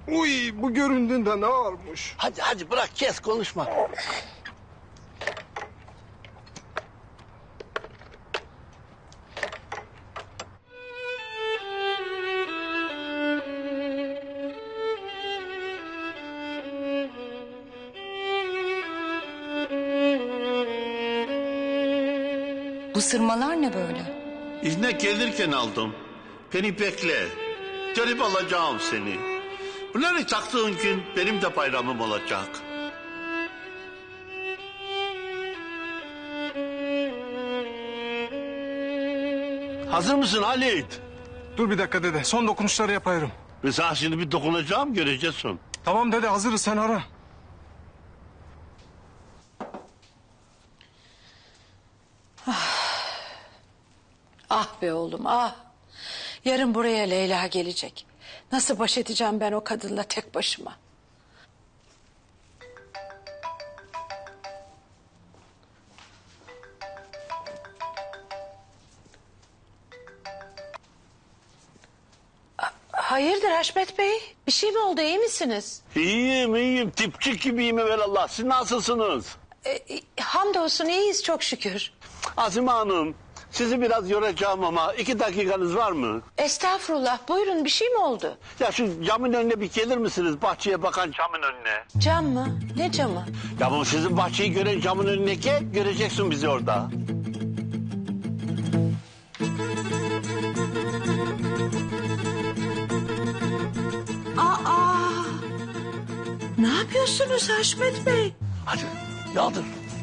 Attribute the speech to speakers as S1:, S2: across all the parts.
S1: Uy, bu göründüğünde ne varmış?
S2: Hadi bırak, kes konuşma.
S3: Bu sırmalar ne böyle?
S2: İzne gelirken aldım. Beni bekle. Gelip alacağım seni. Bunları taktığın gün benim de bayramım olacak. Hazır mısın Halit?
S1: Dur bir dakika dede, son dokunuşları yapıyorum.
S2: Ben sana şimdi bir dokunacağım, göreceksin.
S1: Tamam dede, hazırız, sen ara.
S4: Ah be oğlum ah. Yarın buraya Leyla gelecek. Nasıl baş edeceğim ben o kadınla tek başıma? Hayırdır Haşmet Bey? Bir şey mi oldu, iyi misiniz?
S2: İyiyim. Tipçik gibiyim evelallah. Siz nasılsınız?
S4: Hamdolsun iyiyiz çok şükür.
S2: Azime Hanım, sizi biraz yoracağım ama 2 dakikanız var mı?
S4: Estağfurullah buyurun, bir şey mi oldu?
S2: Ya şu camın önüne bir gelir misiniz? Bahçeye bakan camın önüne.
S4: Cam mı? Ne camı?
S2: Ya bu sizin bahçeyi gören camın önüne gel, göreceksin bizi orada.
S4: Aa! Ne yapıyorsunuz Haşmet Bey?
S2: Hadi yaldır.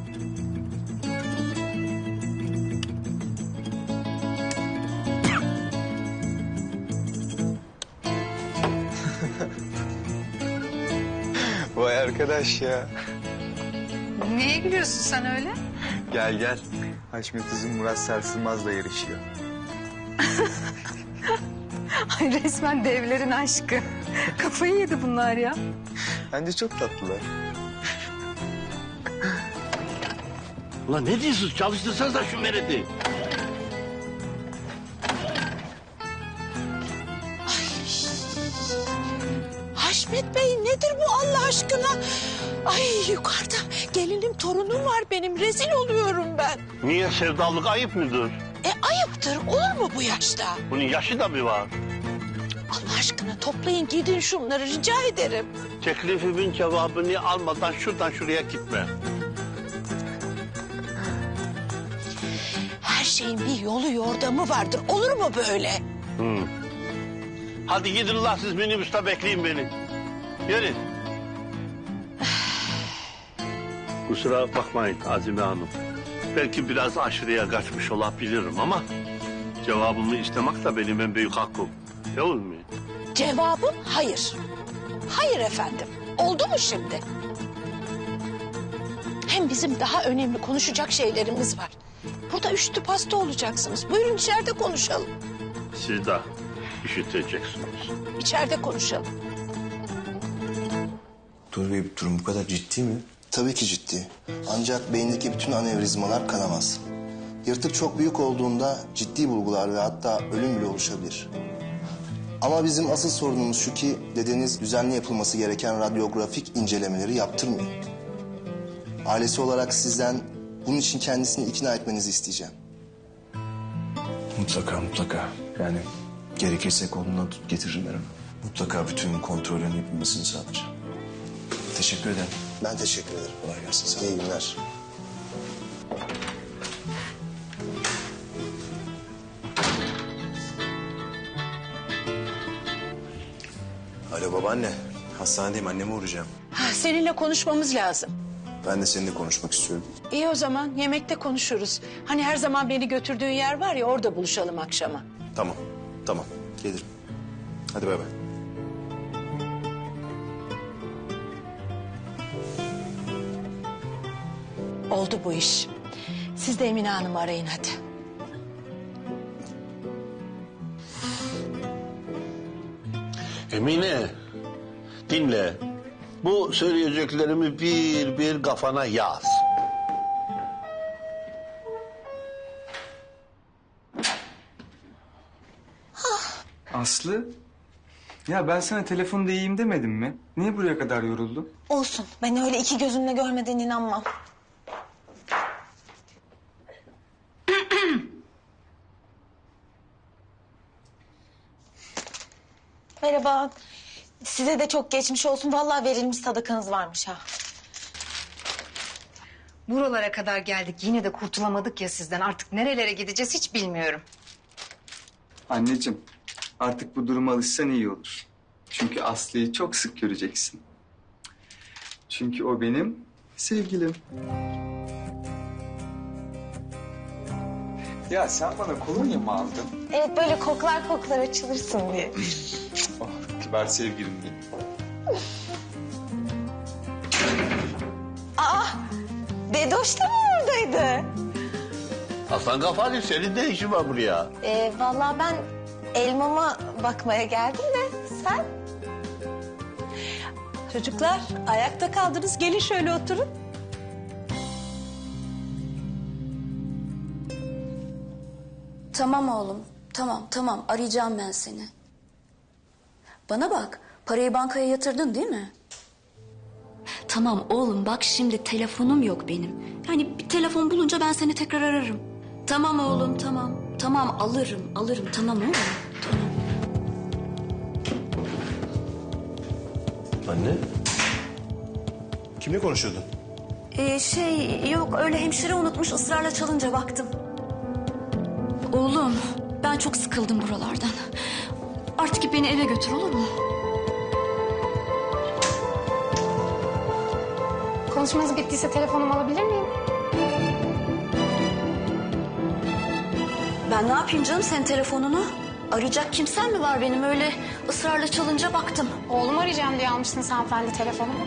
S5: Vay arkadaş ya.
S3: Neye gülüyorsun sen öyle?
S5: Gel. Haşmet Uzun Murat Sarsılmaz'la yarışıyor.
S3: Ay resmen devlerin aşkı. Kafayı yedi bunlar ya.
S5: Bence çok tatlılar.
S2: Ulan ne diyorsunuz? Çalıştırsanız da şu meredi.
S4: Haşmet Bey nedir bu Allah aşkına? Ay yukarıda gelinim torunum var benim, rezil oluyorum ben.
S2: Niye, sevdalık ayıp mıdır?
S4: Ayıptır, olur mu bu yaşta?
S2: Bunun yaşı da mı var?
S4: Allah aşkına toplayın gidin şunları rica ederim.
S2: Teklifimin cevabını almadan şuradan şuraya gitme.
S4: Her şeyin bir yolu yordamı vardır, olur mu böyle?
S2: Hadi gidin la, siz minibüste bekleyin beni. Yürü. Kusura bakmayın Azime Hanım. Belki biraz aşırıya kaçmış olabilirim ama... ...cevabımı istemek de benim en büyük hakkım. Değil mi?
S4: Cevabım hayır. Hayır efendim. Oldu mu şimdi? Hem bizim daha önemli konuşacak şeylerimiz var. Burada üşütü pasta olacaksınız. Buyurun içeride konuşalım.
S2: Siz de işiteceksiniz.
S4: İçeride konuşalım.
S6: Dur Bey, durum bu kadar ciddi mi?
S7: Tabii ki ciddi. Ancak beyindeki bütün anevrizmalar kanamaz. Yırtık çok büyük olduğunda ciddi bulgular ve hatta ölüm bile oluşabilir. Ama bizim asıl sorunumuz şu ki dedeniz düzenli yapılması gereken radyografik incelemeleri yaptırmıyor. Ailesi olarak sizden bunun için kendisini ikna etmenizi isteyeceğim.
S6: Mutlaka. Yani gerekirse kolundan tut getiririm ben onu. Mutlaka bütün kontrollerin yapılmasını sağlayacağım. Teşekkür ederim.
S7: Ben teşekkür ederim.
S6: Kolay gelsin. Sağ ol.
S7: İyi günler.
S6: Alo babaanne. Hastanedeyim, anneme uğrayacağım.
S4: Seninle konuşmamız lazım.
S6: Ben de seninle konuşmak istiyorum.
S4: İyi o zaman yemekte konuşuruz. Hani her zaman beni götürdüğün yer var ya, orada buluşalım akşama.
S6: Tamam. Gelirim. Hadi bay bay.
S4: Oldu bu iş. Siz de Emine Hanım'ı arayın hadi.
S2: Emine, dinle. Bu söyleyeceklerimi bir kafana yaz.
S5: Aslı, Ya ben sana telefonda iyiyim demedim mi? Niye buraya kadar yoruldun?
S8: Olsun. Ben öyle iki gözümle görmeden inanmam. Merhaba. Size de çok geçmiş olsun. Vallahi verilmiş sadakanız varmış ha.
S3: Buralara kadar geldik. Yine de kurtulamadık ya sizden. Artık nerelere gideceğiz hiç bilmiyorum.
S5: Anneciğim, artık bu duruma alışsan iyi olur. Çünkü Aslı'yı çok sık göreceksin. Çünkü o benim sevgilim. Ya sen bana kolonya mı aldın?
S8: Evet, böyle koklar koklar açılırsın diye.
S5: Oh, kibar sevgilim benim.
S8: Bedoş da mı oradaydı?
S2: Hasan Gafari senin ne işin var buraya?
S8: Vallahi ben elmama bakmaya geldim de sen?
S4: Çocuklar ayakta kaldınız. Gelin şöyle oturun.
S9: Tamam oğlum. Tamam. Arayacağım ben seni. Bana bak. Parayı bankaya yatırdın değil mi? Tamam oğlum bak şimdi telefonum yok benim. Yani bir telefon bulunca ben seni tekrar ararım. Tamam oğlum tamam. Tamam alırım. Tamam oğlum. Tamam.
S6: Anne. Kimle konuşuyordun?
S9: Yok öyle hemşire unutmuş ısrarla çalınca baktım. Oğlum ben çok sıkıldım buralardan. Artık beni eve götür olur mu?
S10: Konuşmanız bittiyse telefonumu alabilir miyim?
S9: Ben ne yapayım canım senin telefonunu? Arayacak kimsen mi var benim öyle ısrarla çalınca baktım.
S10: Oğlum arayacağım diye almışsınız hanımefendi telefonumu.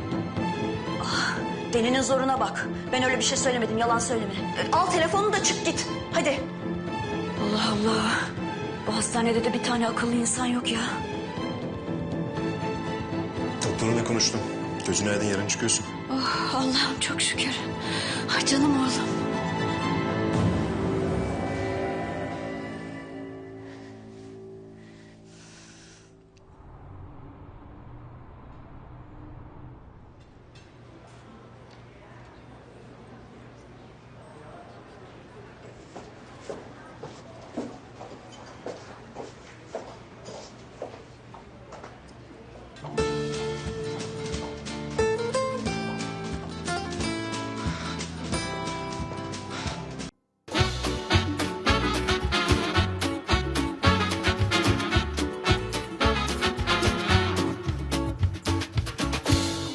S9: Delinin zoruna bak. Ben öyle bir şey söylemedim yalan söyleme. Al telefonunu da çık git. Hadi. Allah Allah. Bu hastanede de bir tane akıllı insan yok ya.
S6: Doktorunla konuştum. Gözün aydın yarın çıkıyorsun.
S9: Oh Allah'ım çok şükür. Ay canım oğlum.